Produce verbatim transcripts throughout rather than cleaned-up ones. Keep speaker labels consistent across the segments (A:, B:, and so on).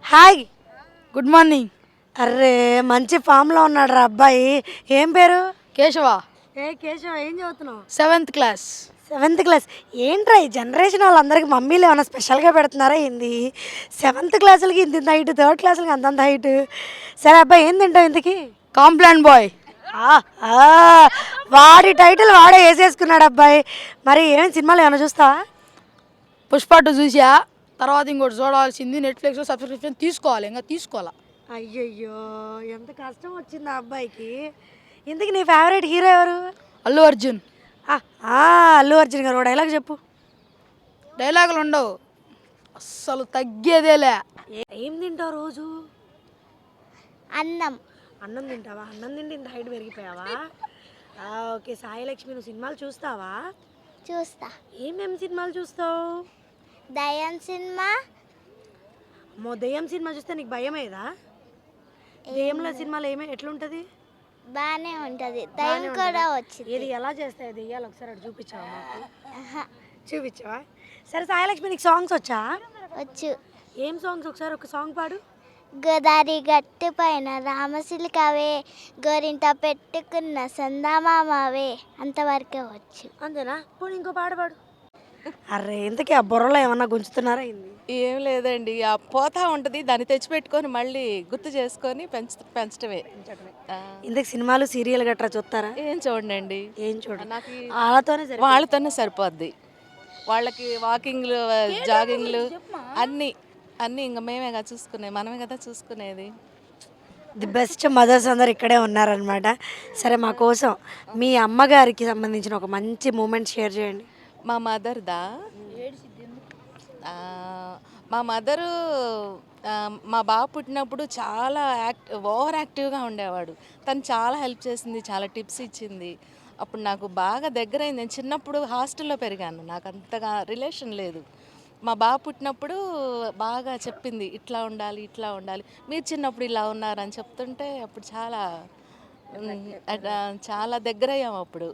A: Hi
B: good morning.
A: Array మంచి ఫామ్లో ఉన్నాడు రా అబ్బాయి. ఏం పేరు?
B: కేశవ.
A: ఏ కేశవ, ఏం చదువుతున్నావు?
B: Seventh class.
A: Seventh class. ఏంట్రా ఈ జనరేషన్ వాళ్ళందరికీ మమ్మీలు ఏమైనా స్పెషల్గా పెడుతున్నారా ఏంది? సెవెంత్ క్లాసులకి ఇంత ఇంత హైట్, థర్డ్ క్లాసులకి అంతంత హైట్. సరే అబ్బాయి, ఏం తింటావు ఇంతకి?
B: Complan boy.
A: ఆ, ఆ, వాడి టైటిల్ వాడే వేసేసుకున్నాడు అబ్బాయి. మరి ఏం సినిమాలు ఏమైనా చూస్తావా?
B: పుష్ప టూ చూసా. తర్వాత ఇంకోటి చూడాల్సింది నెట్ఫ్లిక్స్లో సబ్స్క్రిప్షన్ తీసుకోవాలి, ఇంకా తీసుకోవాలా.
A: అయ్యయ్యో, ఎంత కష్టం వచ్చింది ఆ అబ్బాయికి. ఇంతకీ నీ ఫేవరెట్ హీరో ఎవరు?
B: అల్లు అర్జున్.
A: ఆ, ఆ, అల్లు అర్జున్ గారు ఒక డైలాగ్ చెప్పు.
B: డైలాగులు ఉండవు, అస్సలు తగ్గేదేలే.
A: ఏ- ఏం తింటావు రోజు?
C: అన్నం.
A: అన్నం తింటావా? అన్నం తింటే ఇంత హైట్ పెరిగిపోయావా? ఆ, ఓకే. సాయి లక్ష్మి, నువ్వు సినిమాలు చూస్తావా?
C: చూస్తా.
A: ఏమేమి సినిమాలు చూస్తావు?
C: దయం సినిమా.
A: మో దెయ్యం సినిమా చూస్తే నీకు భయమేదా? దెయ్యంలో సినిమాలు ఏమే ఎట్లుంటుంది?
C: బాగానే ఉంటుంది. దయం కూడా వచ్చింది.
A: ఇది ఎలా చేస్తాయి దెయ్యాలు? ఒకసారి అటు చూపించావా మాకు? చూపించావా? సరే సాయి లక్ష్మి, నీకు సాంగ్స్ వచ్చా?
C: వచ్చు.
A: ఏం సాంగ్స్? ఒకసారి ఒక సాంగ్ పాడు.
C: గోదారి గట్టు పైన రామసిలికవే, గోరింట పెట్టుకున్న సందామామవే. అంతవరకే వచ్చు.
A: అంతేనా? పోనీ ఇంకో పాట పాడు. అరే ఇంతకీ ఆ బుర్రలో ఏమన్నా గుంజుతున్నారా ఏంది?
D: ఏం లేదండి, ఆ పోతా ఉంటుంది, దాన్ని తెచ్చిపెట్టుకొని మళ్ళీ గుర్తు చేసుకొని పెంచ పెంచడమే. ఆ,
A: ఇంతకు సినిమాలు సీరియల్ గట్రా చూస్తారా?
D: ఏం చూడండి,
A: ఏం చూడండి.
D: నాకు ఈ-
A: వాళ్ళతోనే సరే.
D: వాళ్ళతోనే సరిపోద్ది. వాళ్ళకి వాకింగ్లు, జాగింగ్లు అన్నీ అన్నీ ఇంకా మేమే కదా చూసుకునేది, మనమే కదా చూసుకునేది.
A: ది బెస్ట్ మదర్స్ అందరు ఇక్కడే ఉన్నారనమాట. సరే మా కోసం మీ అమ్మగారికి సంబంధించిన ఒక మంచి మూమెంట్ షేర్ చేయండి.
D: మా మదర్దా, ఆ, మా మదరు ఆ, మా బాబు పుట్టినప్పుడు చాలా యాక్ట్ ఓవర్ యాక్టివ్గా ఉండేవాడు. తను చాలా హెల్ప్ చేసింది, చాలా టిప్స్ ఇచ్చింది. అప్పుడు నాకు బాగా దగ్గరైంది. నేను చిన్నప్పుడు హాస్టల్లో పెరిగాను, నాకు అంతగా రిలేషన్ లేదు. మా బాబు పుట్టినప్పుడు బాగా చెప్పింది, ఇట్లా ఉండాలి, ఇట్లా ఉండాలి, మీరు చిన్నప్పుడు ఇలా ఉన్నారని చెప్తుంటే అప్పుడు చాలా ఉమ్, అట్- చాలా దగ్గరయ్యాము అప్పుడు.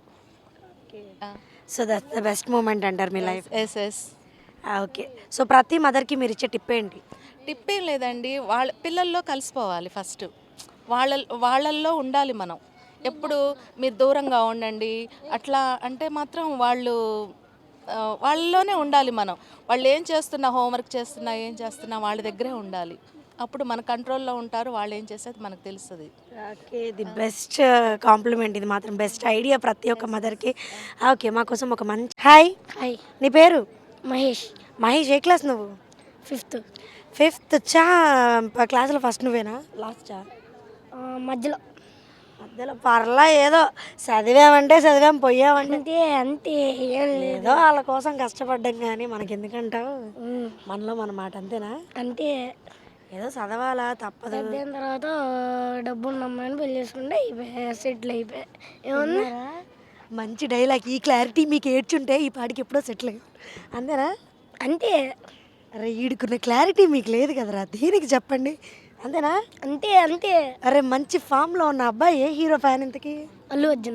A: So that's the best moment అంటారు మీ life.
D: Yes yes.
A: Okay. So ప్రతి మదర్కి మీరు ఇచ్చే టిప్ ఏంటి?
D: టిప్ ఏం లేదండి, వాళ్ళ పిల్లల్లో కలిసిపోవాలి ఫస్ట్. వాళ్ళ వాళ్ళల్లో ఉండాలి మనం. ఎప్పుడు మీరు దూరంగా ఉండండి అట్లా అంటే మాత్రం వాళ్ళు ఆ, వాళ్ళలోనే ఉండాలి మనం. వాళ్ళు ఏం చేస్తున్నా, హోంవర్క్ చేస్తున్నా, ఏం చేస్తున్నా వాళ్ళ దగ్గరే ఉండాలి. అప్పుడు మన కంట్రోల్లో ఉంటారు, వాళ్ళు ఏం చేసేది మనకు తెలుస్తుంది.
A: ఓకే, ది బెస్ట్ కాంప్లిమెంట్ ఇది మాత్రం. బెస్ట్ ఐడియా ప్రతి ఒక్క మదర్కి. ఓకే, మా కోసం ఒక మంచి హాయ్.
C: హాయ్.
A: నీ పేరు?
C: మహేష్.
A: మహేష్. ఏ క్లాస్ నువ్వు?
C: ఫిఫ్త్.
A: ఫిఫ్త్. చా క్లాసులో ఫస్ట్ నువ్వేనా? లాస్టా?
C: మధ్యలో.
A: మధ్యలో పర్లా, ఏదో చదివామంటే చదివాం, పోయామంటే
C: అంతే అంతే.
A: ఏదో వాళ్ళ కోసం కష్టపడ్డాం, కానీ మనకి ఎందుకంటావు? మనలో మన మాట అంతేనా?
C: అంతే.
A: ఏదో చదవాలా, తప్పదు.
C: దాని తర్వాత డబ్బు ఉన్న అమ్మాయిని పెళ్లి చేసుకుంటే సెటిల్ అయిపోయా. ఏమన్నా
A: మంచి డైలాగ్. ఈ క్లారిటీ మీకు ఏడ్చుంటే ఈ పాటికి ఎప్పుడో సెటిల్ అయ్యాం. అంతేనా?
C: అంతే.
A: అరే ఈడుకున్న క్లారిటీ మీకు లేదు కదరా, దీనికి చెప్పండి. అంతేనా?
C: అంతే అంతే.
A: అరే మంచి ఫామ్లో ఉన్న అబ్బాయి ఏ హీరో ఫ్యాన్ ఇంతకి?
C: అల్లు అర్జున్.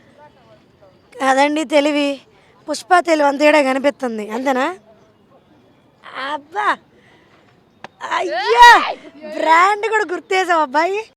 A: అదండి తెలివి. పుష్ప తెలివి అంతేడా కనిపిస్తుంది. అంతేనా? అబ్బా, అయ్యా, బ్రాండ్ కూడా గుర్తేసావు అబ్బాయి.